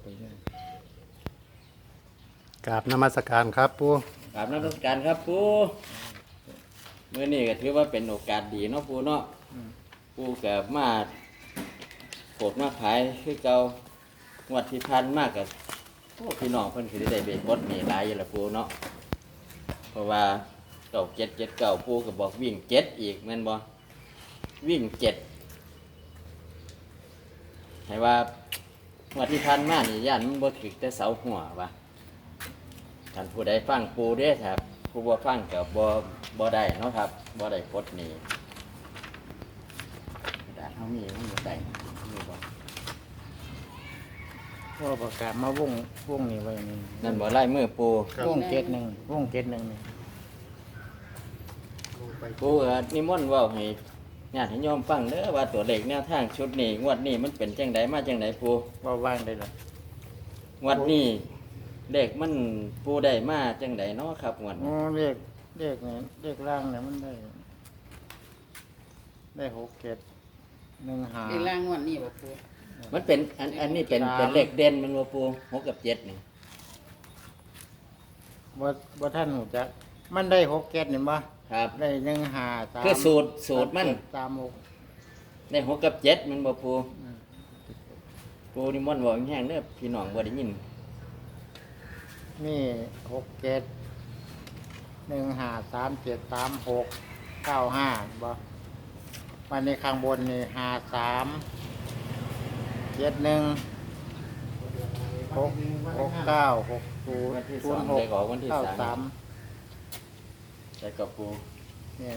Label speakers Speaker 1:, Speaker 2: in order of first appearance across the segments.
Speaker 1: ไปเนี่ย
Speaker 2: กราบนมัสการครับปู่
Speaker 3: กราบนมัสการครับปู่มื้อนี้ก็ถือว่าเป็นโอกาสดีเนาะปู่เนาะปู่ก็มาโปรดมาขายคือเก่างวดที่ผ่านมาก็พี่น้องเพิ่นสิได้เบ็ดบดนี่หลายอยู่ล่ะปู่เนาะเพราะว่าเก่า7 7 9ปู่ก็บอกวิ่ง7อีกแม่นบ่วิ่ง7ให้ว่างวดที่ผ่านมานี่ย่านมันบ่ถึกแต่เสาหัวว่ะท่านผู้ใดฟังปู่เด้ครับผู้บ่ฟังก็บ่ได้เนาะครับบ่ได้กดนี่กระดาษเฮามีมันบ่ได้มีบ่
Speaker 1: ว่าประกาศมาวงนี่ไว้นี่
Speaker 3: นั่นบ่ลายมือปู่
Speaker 1: วง71วง71นี่
Speaker 3: ปู่ก็นิมนต์เว้าให้ญาติโยมฟังเด้อว่าตัวเลขแนวทางชุดนี้งวดนี้มันเป็นจังไดมาจังไดปู่
Speaker 1: ว่าว่างได้ล่ะ
Speaker 3: งวดนี้เลขมันปู่ได้มาจังไดเนาะครับงวด
Speaker 1: อ๋
Speaker 3: นี้
Speaker 1: อเลขนี่เลขล่างเนี่ยมันได้6 7 1
Speaker 4: เรียง
Speaker 1: 5
Speaker 4: ร่างงวดนี้บ่ปู
Speaker 3: มันเป็นอันนี้เป็นเลขเด่นมันบ่ปู่6กับ7นี่
Speaker 1: บ่ท่านหูจักมันได้6 7นี่บ่
Speaker 3: ครับ
Speaker 1: ได้1 5 3
Speaker 3: คือสูตรมัน
Speaker 1: 3 6
Speaker 3: ได้6กับ7มันบ่ปู่ปู่นิมนต์เว้าแห้งๆเด้อพี่น้องบ่ได้ยิน
Speaker 1: นี่6 7 1 5 3 7 3 6 9 5บ่วันนี้ข้างบนนี่5 3 7 1 6 9 6
Speaker 3: วันที่
Speaker 1: 0
Speaker 3: สอง
Speaker 1: 0
Speaker 3: ได้ออกวัน
Speaker 1: 6
Speaker 3: ที่
Speaker 1: 9
Speaker 3: สาม
Speaker 1: 3
Speaker 3: แต่กับปู่
Speaker 1: เนี่ย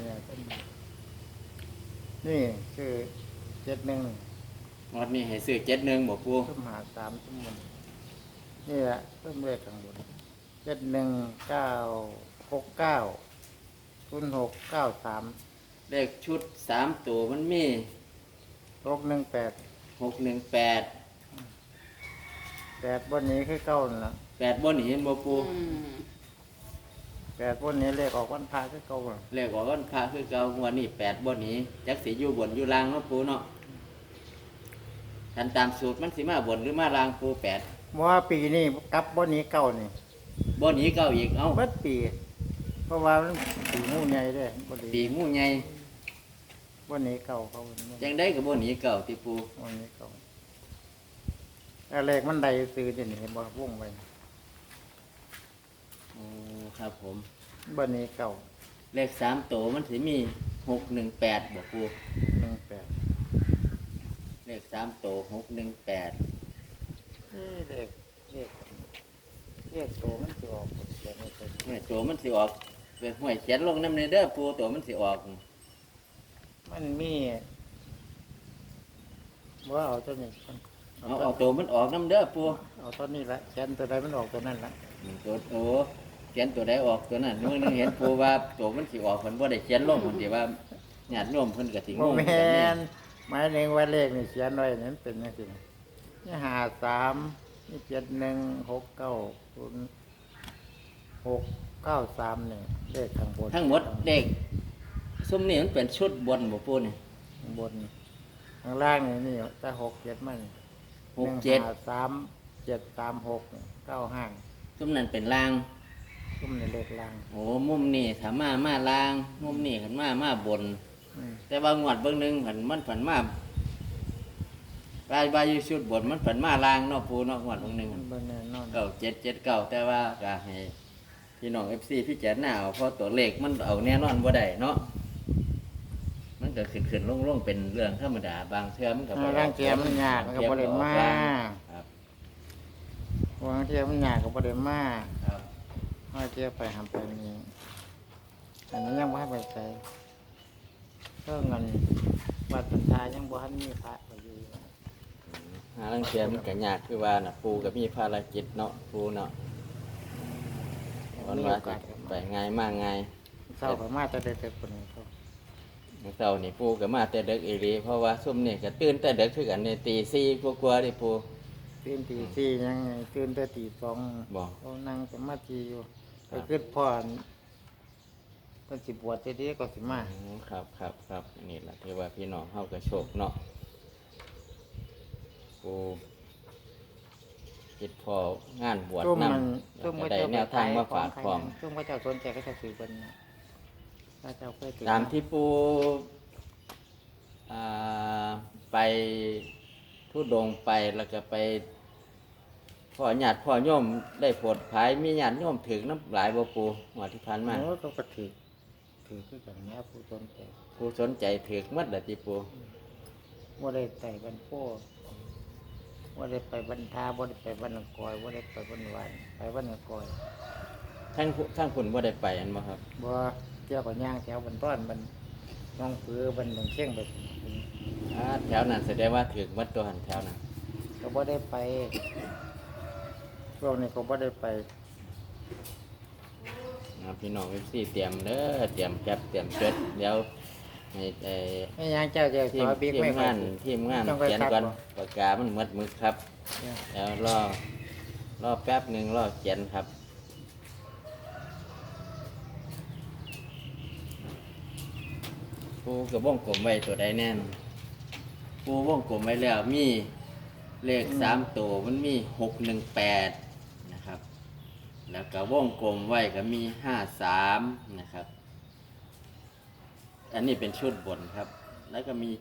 Speaker 1: นี่คือ71
Speaker 3: งวดนี้ให้ซื้อ71บ่ปู่
Speaker 1: ทุ่มหา3ทุ่มบนนี่แหละเพิ่มเลขข้างบน71 9 69 06 93
Speaker 3: เลขชุด3ตัวมันมี
Speaker 1: 618
Speaker 3: 618
Speaker 1: 8บนนี้คือเก้านั่นล่ะ
Speaker 3: 8บ่หนีเห็นบ่ปู่
Speaker 1: 8บนนี้เลขออกวันพระคือเก้าน่ะ
Speaker 3: เลขออกวันพระคือเก่างวดนี้8บ่หนีจักสิอยู่บนอยู่ล่างเนาะปู่เนาะคันตามสูตรมันสิมาบนหรือมาล่างปู่8
Speaker 1: เพราะว่าปีนี้กลับบนนี้เก้านี่
Speaker 3: บ่หนีเก้าอีกเอ้า
Speaker 1: เบิดปี เพราะว่ามันปีงูใหญ่เด้บ่
Speaker 3: ปี
Speaker 1: ดี
Speaker 3: งูใหญ่
Speaker 1: บนนี้เก้าเขาบนนี้
Speaker 3: จังได๋ก็บ่หนีเก้าติปู่
Speaker 1: บนนี้เก้าแล้วเลขมันใดซื้อเดี๋ยวนี้บ่วงไว้
Speaker 3: โอ้ครับผม
Speaker 1: บนนี้เก้า
Speaker 3: เลข3ตัวมันสิมี618บ่ปู่
Speaker 1: 18
Speaker 3: เลข3ตัว618
Speaker 1: เลขโตมันสิออกเขียนไว้เป็น
Speaker 3: เนี่ยตัวมันสิออกเป็นห้วยเขียนลงนำในเด้อปู่ตัวมันสิออก
Speaker 1: มันมีว่าเอาตัวนี้ก่อน
Speaker 3: เอาตัวมันออกนำเด้อปู่
Speaker 1: เอาตัวนี้ละเขียนตัวใดมันออกตัวนั้นละ
Speaker 3: ตัวโอ้เขียนตัวใดออกตัวนั้นมื้อนึงเห็นปู่ว่าตัวมันสิออกเพิ่นบ่ได้เขียนลงเพิ่นสิว่าญาติโยมเพิ่นก็สิง
Speaker 1: โม
Speaker 3: ง
Speaker 1: แม
Speaker 3: กันนี่
Speaker 1: นหมายถึงว่าเลขนี่เขียนไว้นั้นเป็นจังซี่นี่53นี่71690693นี่เลขข้างบน
Speaker 3: ทั้งหมดเลขซุมนี้มันเป็นชุดบนบ่ปู่นี่
Speaker 1: ข้างบนนี่ข้างล่างนี่แต่6 7มัน
Speaker 3: 6 7
Speaker 1: 3 7 3 6 9 5
Speaker 3: ซุมนั้นเป็นล่าง
Speaker 1: ซุ่มในเลขล่าง
Speaker 3: โอ้มุมนี้ถ้ามาล่าง มุมนี้คันมาบน
Speaker 1: อืม
Speaker 3: แต่ว่างวดเบิ่งหนึงมันผันมาบายอยู่ชุดบนมันผันมาล่างเนาะปู่เนาะงวดเบิ่งหนึง
Speaker 1: มันบ่แน่นอน
Speaker 3: 9779แต่ว่าก็ให้พี่น้อง FC พิจารณาเอาเพราะตัวเลขมันเอาแน่นอนบ่ได้เนาะมันก็ขึ้นลงเป็นเรื่องธรรมดาบางเทื่อมันก็บ่
Speaker 1: ร่างเทียมมันยากมันก็บ่ได้มา
Speaker 3: ครับ
Speaker 1: บางเทียมันยากก็บ่ได้มา
Speaker 3: ครับ
Speaker 1: ห้อยเทียไปหำไปนี่อันนี้ยังบ่ให้ไปใส่เพิ่มเงินวัดปัญญายังบ่ทันมีพระไปอยู่
Speaker 3: หาลังเทื่อมันก็ยากคือว่าน่ะปู่ก็มีภารกิจเนาะปู่เนาะวันว่าสิไปง่ายมากง่าย
Speaker 1: เศร้าก็มาแต่เด็กๆคนนี้เขา
Speaker 3: เช้านี่ปู่ก็มาแต่ดึกอีหลีเพราะว่าซุ่มนี่ก็ตื่นแต่ดึกคือกันนี่ตี4กว่าๆนี่ปู่
Speaker 1: ตื่นตีสี่ยังไงตื่นแต่ตีสอง
Speaker 3: บ่
Speaker 1: เขานั่งสมาธิอยู่ไปขึ้นพ่อนเพิ่นสิบวชเด็กก็สิมา
Speaker 3: ครับนี่แหละที่ว่าพี่น้องเฮาก็โชคเนาะปูเฮ็ดพองานบวช
Speaker 1: ซุ่ม
Speaker 3: นำ
Speaker 1: มัน
Speaker 3: แล้
Speaker 1: ซุ่
Speaker 3: ว
Speaker 1: ม
Speaker 3: ก็
Speaker 1: ก็
Speaker 3: ได้
Speaker 1: เจ้า
Speaker 3: แนวทางมาฝากพร้อม
Speaker 1: ซุ่มก็เจ้าสนใจก็จะซื้อเพิ่นนะถ้าเจ้าเคยถือ
Speaker 3: ตามที่ปูอ่าไปทุดงค์ไปแล้วก็ไปพ่อญาติพ่อโยมได้โปรดภายมีญาติโยมถึงน้ำหลายบ่ปูหัวดที่ผ่านมา
Speaker 1: โอ้ก็ถือคือกันเนี้ยผู้สนใจ
Speaker 3: ผู้สนใจถึกหมัดละติปู
Speaker 1: ว่าได้ใส่บันโพว่าได้ไปบรรทาว่าได้ไปบรรณกอยว่าได้ไปบรรวันไปบรรณกอย
Speaker 3: ทั้งคุณบ่ได้ไปอันบ่ครับ
Speaker 1: บ่เที่ยวกับย่างแถวบรรต้อนบรรน้องปือบรรหนองเชียงไป
Speaker 3: แถวนั้นแสดงว่าถึกหมัดตัวหันแถวนั้น
Speaker 1: ก็บ่ได้ไปช่วงนี้ก็บ่ได้ไป
Speaker 3: พี่น้องFCเตรียมเด้อเตรียมแคปเตรียมจดเดี๋ยวให้
Speaker 1: ไม่ย่างเจ้าเจ้า
Speaker 3: ที
Speaker 1: ข
Speaker 3: ม
Speaker 1: อบิ๊ก
Speaker 3: ที
Speaker 1: ไม่
Speaker 3: ม
Speaker 1: ค่อย
Speaker 3: งานทีมงาน
Speaker 1: ต้องไป
Speaker 3: เขียน
Speaker 1: คัด
Speaker 3: ก่อน
Speaker 1: บ่
Speaker 3: ปากกามันหมดมือครับ
Speaker 1: เนี่ย
Speaker 3: แล้วรอแป๊บหนึ่งรอเขียนครับปูกับวงกลมไว้ตัวใดแน่นปูวงกลมไว้แล้วมีเลข3 ตัวมันมี618นะครับ แล้วก็วงกลมไว้ก็มี53นะครับ อันนี้เป็นชุดบนครับ แล้วก็มี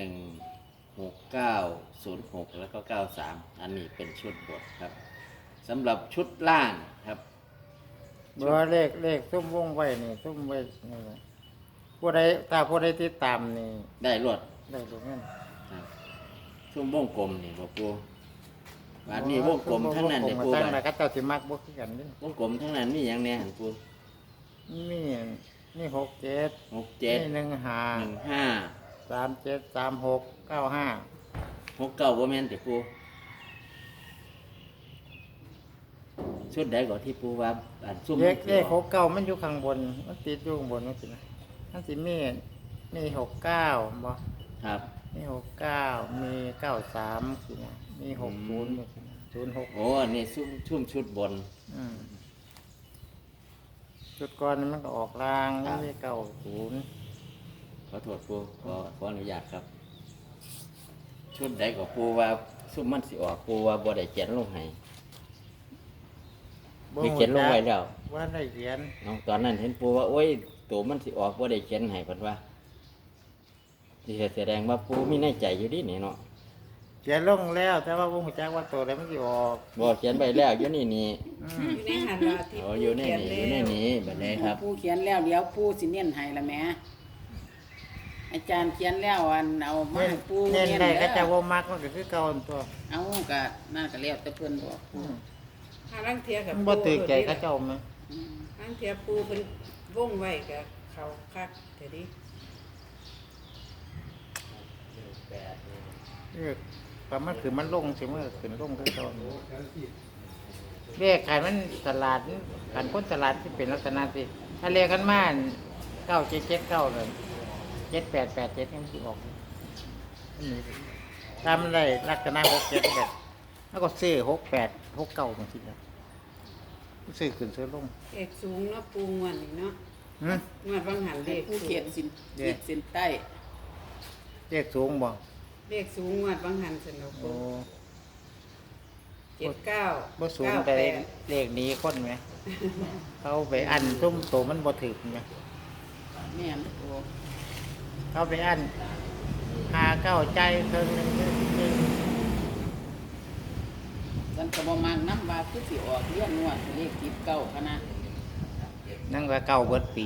Speaker 3: 716906แล้วก็93อันนี้เป็นชุดบนครับสำหรับชุดล่างครับ
Speaker 1: บ่เลขซุ่มวงไว้นี่ซุ่มไว้นี่แหละผู้ใดถ้าผู้ใดติดตามนี่
Speaker 3: ได้รวด
Speaker 1: ได้รู้เงิน
Speaker 3: ครับช่วงวงกลมนี่บ่ปูบาดนี้วงกลมทั้งนั้น
Speaker 1: เล
Speaker 3: เด้
Speaker 1: ย
Speaker 3: ปู
Speaker 1: ตั้ง
Speaker 3: บา
Speaker 1: แต่
Speaker 3: ด
Speaker 1: ก็เจ้าสิมักบ่คือกันเด้
Speaker 3: วงกลมทั้งนั้นมีหยังแหน่หันปู
Speaker 1: นี่6 7
Speaker 3: 67
Speaker 1: นี่1 5
Speaker 3: 15
Speaker 1: 3 7 3 6 9 5
Speaker 3: 69บ่แม่นติปูชุดใดก่อนที่ปูว่าอันซุ่ม
Speaker 1: เลข6 9มันอยู่ข้างบนมันติดอยู่ข้างบนมันสินะมันสิมี6 9บ่
Speaker 3: ครับ
Speaker 1: มี69มี93สินะมี60นี่สินะ06
Speaker 3: โอ้อันนี้ชุ่มชุดบน
Speaker 1: จุดก่อนมันก็ออกราง
Speaker 3: ครั
Speaker 1: นี่
Speaker 3: บ
Speaker 1: 90
Speaker 3: ขอโทษปูขออนุญาตครับ ชุดใดก็ปูว่าซุ่มมันสิออกปูว่าบ่ได้เขียนลงให้มีเขียนลงไว้แล้ว
Speaker 1: ว่าได้เขียน
Speaker 3: น้องตอนนั้นเห็นปูว่าโอ้ยตัวมันสิออกบ่ได้เขียนให้เพิ่นว่าที่แสดงว่าปูมีในใจอยู่ดินี่เนาะ
Speaker 1: เขียนลงแล้วแต่ว่าบ่ฮู้จักว่าตัวใดมันสิออก
Speaker 3: บ่เขียนไปแล้วอยู่นี่
Speaker 1: อืม
Speaker 4: อยู่ในหันว่าที่
Speaker 3: อ๋ออยู่ใน
Speaker 4: เขีย
Speaker 3: นี่อยู่ใน
Speaker 4: แล้ว
Speaker 3: นี้บัดนี้ครับ
Speaker 4: ผู้เขียนแล้วเดี๋ยวผู้สิเน้นให้ละแหม่อาจารย์เขียนแล้วอันเอามาให้ผู้
Speaker 1: เน้นได้
Speaker 4: ด้อ
Speaker 1: ก็จะบ่มักมันก็คือเก่าอันตัว
Speaker 4: เอาก็นั่นก็แล้วแต่เพิ่นบอก
Speaker 1: อืม
Speaker 5: หาลังเทียกับ
Speaker 1: มันบ่ตื่นใจเขาเจ้ามั้ย
Speaker 4: อืม
Speaker 5: ลังเทียปูเป็นวงไว้กับเขาคักแต่ดิ
Speaker 1: ประมาณคือมันลงสิมันก็ขึ้นลงคือเก่าเลขขายมันตลาดกันคนตลาดที่เป็นลักษณะสิถ้าเลขกันมา9779เลย7887มันสิออกมันมีตามได้ลักษณะ67แบบแล้วก็ซื้อ68 69มันสินะซื้อขึ้นซื้อลง
Speaker 5: เอกสูงเนาะปูงวนนี่เนาะ
Speaker 1: หึ
Speaker 5: งวดบางหันเล
Speaker 4: ให้
Speaker 5: ข
Speaker 4: ผู้
Speaker 5: สู
Speaker 4: เขียน
Speaker 5: ง
Speaker 4: สิน
Speaker 1: เด้
Speaker 4: ขีดเส้นใต้
Speaker 1: เลขสูงบ่
Speaker 5: เลขสูงงวดบางหันสนุก
Speaker 1: โอ้
Speaker 5: 79
Speaker 1: บ่สูงแต่เลขนี้คนไหม เขาไปอันซุ่มโตมันบ่ถึกไหม
Speaker 4: แม่นโอ้
Speaker 1: เขาไปอันหาเก้าใจเพิ่งหนึง
Speaker 4: มันก็บ่มักนำว่าคือสิออกเรียนนวดเลขติดเก้าพะนะ
Speaker 1: นั่งก็เก้าเบิดปี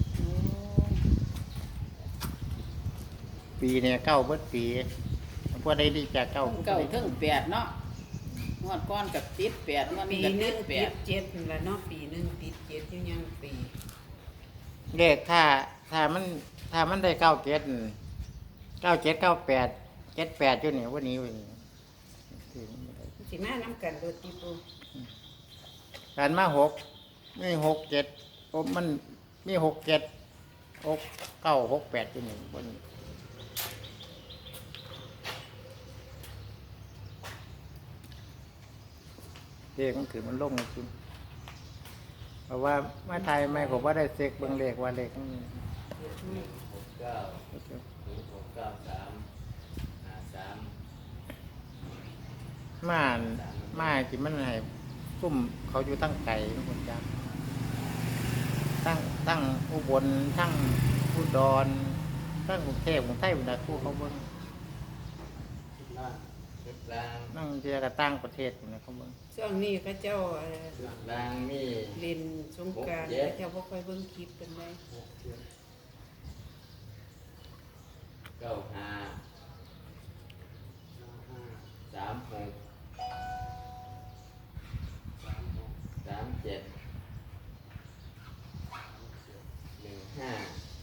Speaker 1: ปีเนี่ยเก้าเบิดปีพวกได้ดีจากเก้า
Speaker 4: เก้าถึงแปดเนาะงวดก้อนกับติดแปดงวด
Speaker 5: ปี
Speaker 4: นี้ก็
Speaker 5: หนึ
Speaker 4: ติ
Speaker 5: ง
Speaker 4: ดแป
Speaker 5: ติ
Speaker 4: ด
Speaker 5: ด7นั่นล่ะเนาะปีหนึงติด7อยู่ยังปี
Speaker 1: เลขถ้ามันได้9798อยู่นี่วันนี้วันนี้
Speaker 5: สิมานํกันโดดติปู
Speaker 1: การมามี67ผมมันมี67 6968อยู่นี่วันนี้เลขมันคือมันลงจริงเพราะว่ามาไทยไม่ผมว่าได้เซ็กเบิ่งเลขว่าเลขมัน
Speaker 3: 69 0693 53
Speaker 1: ม่านมาที่มันให้ซุ่มเขาอยู่ตั้งไก่ทุกคนจ้าตั้งอุบลทั้งอุดรทั้งกรุงเทพกรุงไทยบรรดาคู่เขาเบิ่ง
Speaker 3: ชุดล่าง
Speaker 1: นั่งเจอกับตั้งประเทศอยู่นะเขาเบิ่ง
Speaker 5: ช่วงนี้พระเจ้า
Speaker 3: ชุดล่างมี
Speaker 5: เล่นสงกรานต์
Speaker 3: 6 7
Speaker 5: พระเจ้าบ่ค่อยเบิ่งคลิปกันได้
Speaker 3: 95 36 37 15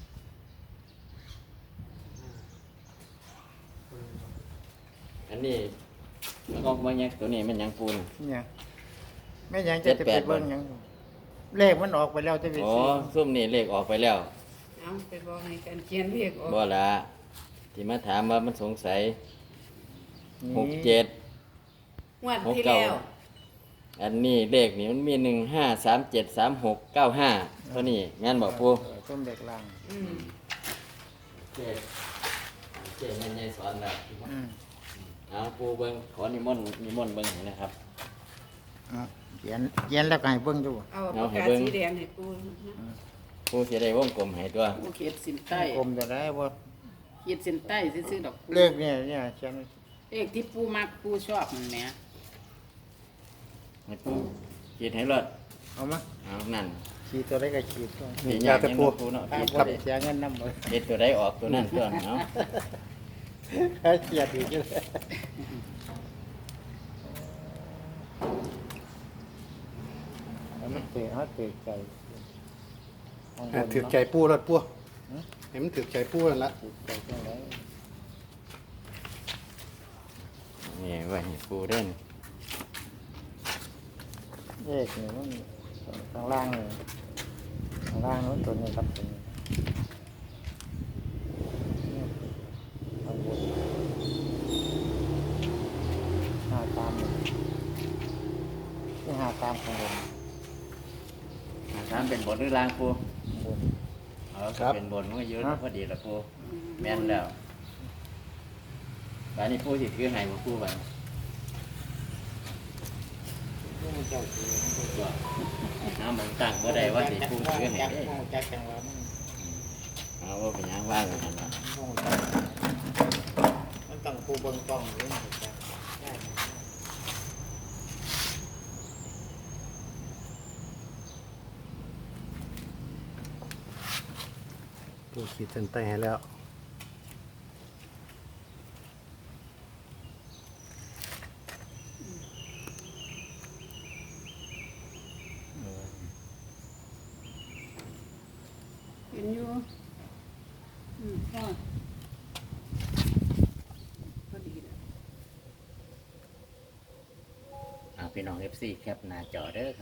Speaker 3: อันนี้แล้วก็บางอย่างตัวนี้มันหยังปูน
Speaker 1: เนี่ยแม่ยังจะไปเบิ่งหยังเลขมันออกไปแล้วจะไป
Speaker 3: อ๋อ
Speaker 1: ซื้อ
Speaker 3: ซุ่มนี่เลขออกไปแล้ว
Speaker 5: เอาไปบอกให้กันเขียนเลขออก
Speaker 3: บ่ละที่มาถามว่ามันสงสัย
Speaker 1: นี่
Speaker 3: 67
Speaker 5: งวดที่แล้ว
Speaker 3: อันนี้เลขนี่มันมี15373695ตัวนี้แม่นบอกปู
Speaker 1: ส้มเด็กล่าง
Speaker 5: อืม
Speaker 3: เจ๊แม่นยายสอนแล้ว
Speaker 1: อืม
Speaker 3: เอาปูเบิ่งขอนิมนต์เบิ่งให้นะครับ
Speaker 1: เอาเขียนแล้วก็ให้เบิ่งดู
Speaker 5: เอาปากกาสีแดงให้ปูนะ
Speaker 3: ปูสิได้วงกลมให้ตัว
Speaker 4: ผู้เขียนสินใต้
Speaker 1: กลมจะได้บ่
Speaker 4: เขียนสินใต้ซื่อๆดอกปู
Speaker 1: เลขเนี่ยเขียน
Speaker 4: เลขที่ปูมักปูชอบมันแหม
Speaker 3: ให้ปูขีดให้รอด
Speaker 1: เอามา
Speaker 3: เอานั่น
Speaker 1: ขีดตัวได้ก็ขีดตัว
Speaker 3: ขีดยากยังบ่ปูเนาะ
Speaker 1: ตา
Speaker 3: ขี
Speaker 1: ม
Speaker 3: ด
Speaker 1: บ่
Speaker 3: ตัว
Speaker 1: ได้เสียเงินนำบ่
Speaker 3: ขีดตัวใดออกตัวนั้นตัวเนาะ
Speaker 1: ให้เขียนอีกเลยเอามันเตะใจของบน
Speaker 2: ถือใจปูรถปู
Speaker 1: หือ
Speaker 2: เห็นมันถือใจปูนั่นละ
Speaker 1: ถือใจจังได๋
Speaker 3: นี่ไว้ให้ปูเด่น
Speaker 1: เลขนี่มันข้างล่างนี่ข้างล่างนู้นตัวนี้ครับตัวนี้ข้างบนหาตามนี่หาตามข้างบน
Speaker 3: ถามเป็นบทหรือลางปู
Speaker 1: ข้างบน
Speaker 3: ถ้าเป็นบทมันก็เยอะพอดีละปูแม่นแล้วบาดนี้ปูสิถือให้บ่ปูบัด น้ำมันตั้งบ่ได้ว่าสิปูถือให้เด้
Speaker 1: จักจังว่ามัน
Speaker 3: เอาว่าเป็นหยังว่างกันนั่นล่ะ
Speaker 1: มันต้องปูเบิ่งกล้องอยู่จักได้
Speaker 2: ปูขีดเส้นใต้ให้แล้ว
Speaker 4: เห็นอยู่พ่อพอดีนะ
Speaker 3: พี่น้อง FC แคปหน้าจอเด้อครับ